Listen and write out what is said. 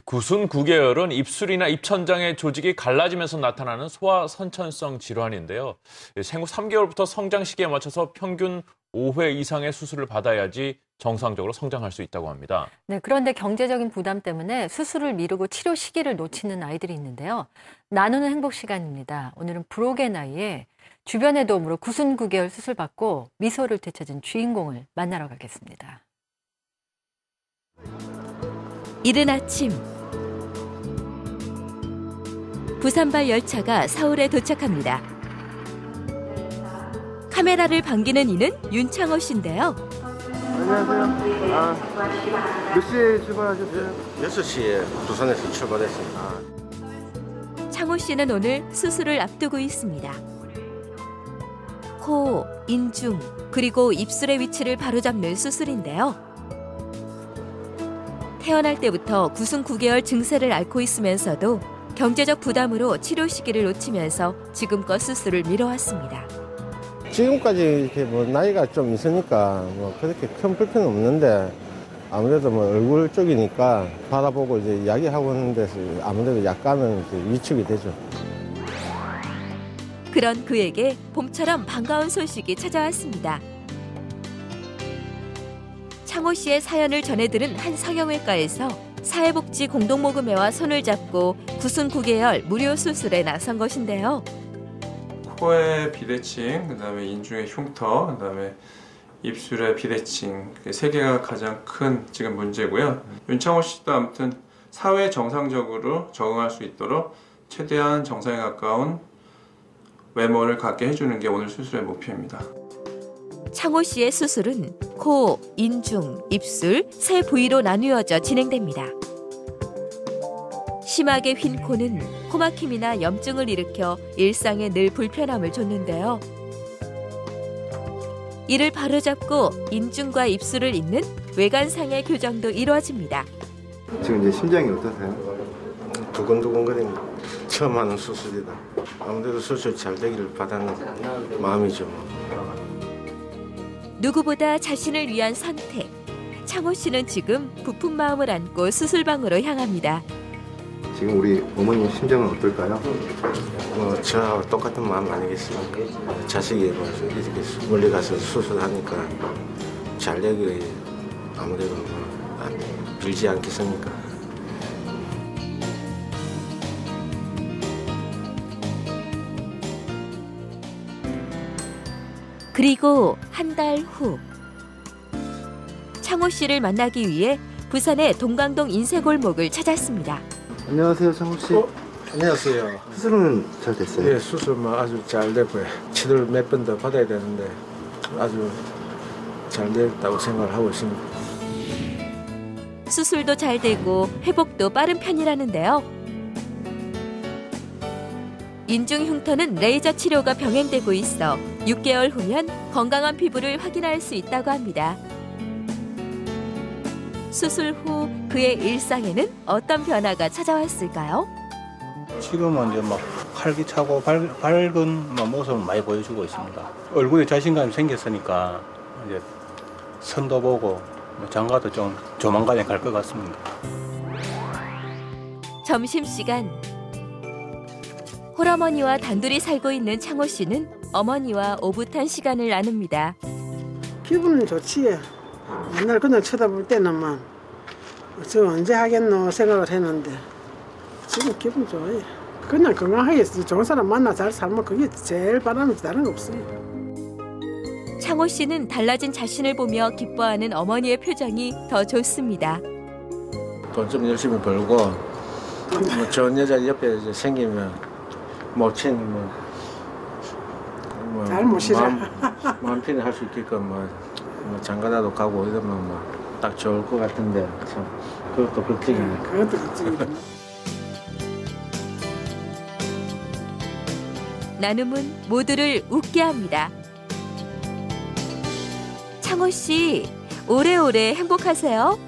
구순구개열은 입술이나 입천장의 조직이 갈라지면서 나타나는 소아선천성 질환인데요. 생후 3개월부터 성장 시기에 맞춰서 평균 5회 이상의 수술을 받아야지 정상적으로 성장할 수 있다고 합니다. 네, 그런데 경제적인 부담 때문에 수술을 미루고 치료 시기를 놓치는 아이들이 있는데요. 나누는 행복 시간입니다. 오늘은 불혹의 나이에 주변의 도움으로 구순구개열 수술 받고 미소를 되찾은 주인공을 만나러 가겠습니다. 이른 아침 부산발 열차가 서울에 도착합니다. 카메라를 반기는 이는 윤창호 씨인데요. 안녕하세요. 몇 시에 출발하셨어요? 6시에 부산에서 출발했습니다. 창호 씨는 오늘 수술을 앞두고 있습니다. 코, 인중, 그리고 입술의 위치를 바로잡는 수술인데요. 태어날 때부터 구순구개열 증세를 앓고 있으면서도 경제적 부담으로 치료 시기를 놓치면서 지금껏 수술을 미뤄왔습니다. 지금까지 이렇게 나이가 좀 있으니까 그렇게 큰 불편은 없는데 아무래도 얼굴 쪽이니까 바라보고 이제 이야기하고 있는 데서 아무래도 약간은 이제 위축이 되죠. 그런 그에게 봄처럼 반가운 소식이 찾아왔습니다. 창호 씨의 사연을 전해들은 한 성형외과에서 사회복지 공동모금회와 손을 잡고 구순구개열 무료 수술에 나선 것인데요. 코의 비대칭, 그다음에 인중의 흉터, 그다음에 입술의 비대칭, 세 개가 가장 큰 지금 문제고요. 윤창호 씨도 아무튼 사회 정상적으로 적응할 수 있도록 최대한 정상에 가까운 외모를 갖게 해주는 게 오늘 수술의 목표입니다. 창호 씨의 수술은 코, 인중, 입술 세 부위로 나누어져 진행됩니다. 심하게 휜 코는 코막힘이나 염증을 일으켜 일상에 늘 불편함을 줬는데요. 이를 바로잡고 인중과 입술을 잇는 외관상의 교정도 이루어집니다. 지금 이제 심장이 어떠세요? 두근두근거립니다. 처음 하는 수술이다. 아무래도 수술 잘 되기를 바라는 마음이죠. 누구보다 자신을 위한 선택. 창호 씨는 지금 부푼 마음을 안고 수술방으로 향합니다. 지금 우리 어머님 심정은 어떨까요? 저하고 똑같은 마음 아니겠습니까? 자식이 이렇게 멀리 가서 수술하니까 잘 되기 아무래도 빌지 않겠습니까? 그리고 한 달 후 창호 씨를 만나기 위해 부산의 동강동 인쇄골목을 찾았습니다. 안녕하세요, 창호 씨. 안녕하세요. 수술은 잘 됐어요? 네, 수술 아주 잘 됐고요. 치료를 몇 번 더 받아야 되는데 아주 잘 됐다고 생각을 하고 있습니다. 수술도 잘 되고 회복도 빠른 편이라는데요. 인중 흉터는 레이저 치료가 병행되고 있어 6개월 후면 건강한 피부를 확인할 수 있다고 합니다. 수술 후 그의 일상에는 어떤 변화가 찾아왔을까요? 지금은 이제 막 활기차고 밝은 모습을 많이 보여주고 있습니다. 얼굴에 자신감이 생겼으니까 이제 선도 보고 장가도 좀 조만간에 갈 것 같습니다. 점심시간. 홀어머니와 단둘이 살고 있는 창호 씨는 어머니와 오붓한 시간을 나눕니다. 기분은 좋지. 맨날 그냥 쳐다볼 때는 저 언제 하겠노 생각을 했는데 지금 기분 좋아요. 그냥 건강하게 좋은 사람 만나 잘 살면 그게 제일 바람이지 다른 거 없어요. 창호 씨는 달라진 자신을 보며 기뻐하는 어머니의 표정이 더 좋습니다. 돈 좀 열심히 벌고 좋은 여자 옆에 이제 생기면 모친 잘 모시라. 마음 편히 할 수 있게끔 장가라도 가고 이러면 딱 좋을 것 같은데 참 그것도 걱정이네. 그것도 걱정이네. 나눔은 모두를 웃게 합니다. 창호 씨, 오래오래 행복하세요.